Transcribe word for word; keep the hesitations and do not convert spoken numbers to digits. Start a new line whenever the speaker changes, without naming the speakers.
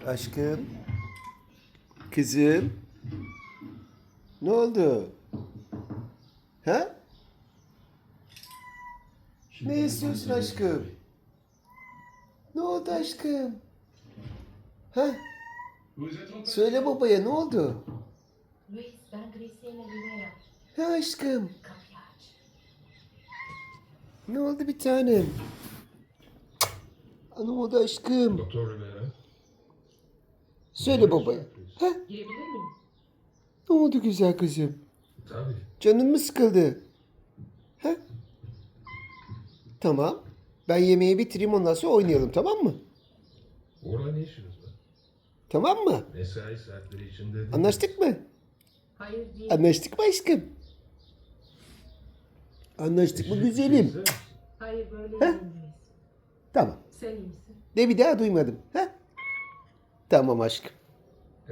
Aşkım. Kızım. Ne oldu? Ha? Ne istiyorsun aşkım? Ne oldu aşkım? Ha? Söyle babaya ne oldu?
Luis, ben Graciela Rivera.
Ha aşkım.
Kapıyı aç.
Ne oldu bir tanem? Ne oldu aşkım?
Doktor Rivera.
Söyle babaya. Ha?
Girebilir miyim?
Ne oldu güzel kızım?
Tabii.
Canın mı sıkıldı? Ha? Tamam. Ben yemeği bitireyim ondan sonra oynayalım tamam mı?
Orada ne işiniz var?
Tamam mı?
Mesai saatleri içinde değil.
Anlaştık mı?
Hayır değil.
Anlaştık mı aşkım? Anlaştık mı
Eşek
güzelim?
değilse,
Hayır böyle
Ha?
değil Luis.
Tamam.
Sen iyi misin?
De bir daha duymadım. Ha? Tamam aşkım.